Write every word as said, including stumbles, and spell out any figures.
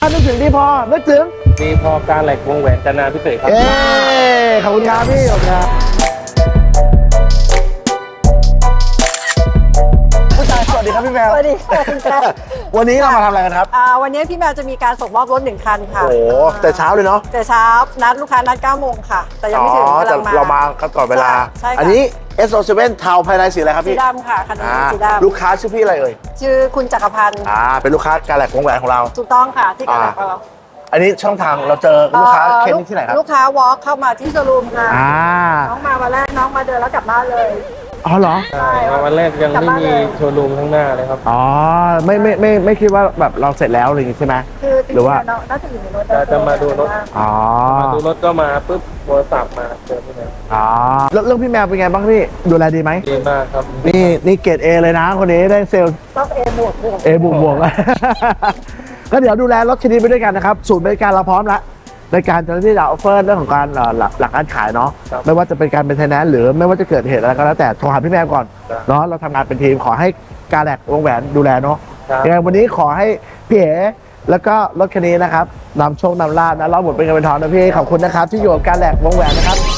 ถ้านึกถึงดีพอนึกถึงดีพอการแหลกวงแหวนจันนาพิเศษครับเอ้ขอบคุณครับพี่ขอบคุณครับผู้ชายสวัสดีครับพี่แมวสวัสดีค่ะคุณแจ๊ควันนี้เรามาทำอะไรกันครับอ่าวันนี้พี่แมวจะมีการส่งมอบรถหนึ่งคันค่ะโอ้โหแต่เช้าเลยเนาะแต่เช้านัดลูกค้านัดเก้าโมงค่ะ แต่ยังไม่ถึงอ๋อกำแต่ลังมาเรามาก่อนเวลาใช่ค่ะอันนี้ เอส โอ เซเว่น เทาภายในสีอะไรครับสีพี่ดำค่ะคันนี้อ่าสีดลูกค้าชื่อพี่อะไรเอ่ยำชื่อคุณจักรพันธ์อ่าเป็นลูกค้าการแหลกวงแหวนของเราถูกต้องค่ะที่การแหลกของเราอันนี้ช่องทางเราเจอลูกค้าเค้นที่ไหนครับลูกค้าวอล์กเข้ามาที่โชว์รูมค่ะอ่าน้องมาวันแรกน้องมาเดินแล้วกลับบ้านเลยอ๋อเหรอใช่มาวันแรกยังไม่มีโชว์รูมข้างหน้าเลยครับอ๋อไม่ไม่ไม่ไม่คิดว่าแบบเราเสร็จแล้วอะไรอย่างงี้ใช่ไหมคือจริงหรือว่าๆน้องน่าจะอยู่ในรถจะมาดูรถอ๋อมาดูรถก็มาปุ๊บโทรศัพท์มาเจอที่ไหนอ๋อแล้วเรื่องพี่แมวเป็นไงบ้างพี่ดูแลดีไหมดีมากครับนี่นี่เกรดเอเลยนะคนนี้ได้เซลล์ต้องเอบวกบวกเอบวกบวก ก็เดี๋ยวดูแลรถคันนี้ไปด้วยกันนะครับศูนย์บริการเราพร้อมแล้วในการจะที่จะออฟเฟอร์เรื่องของการเอ่อหลักหลักการขายเนาะไม่ว่าจะเป็นการเป็นไทนแนนซ์หรือไม่ว่าจะเกิดเหตุอะไรก็แล้วแต่โทรหาพี่แมวก่อนเนาะเราทำงานเป็นทีมขอให้การแหลกวงแหวนดูแลเนาะยังไงวันนี้ขอให้พี่เอ๋แล้วก็รถคันนี้นะครับนำโชคนำลาภนะเราหมดเป็นเงินเป็นทองนะพี่ขอบคุณนะครับที่อยู่กับการแหลกวงแหวนนะครับ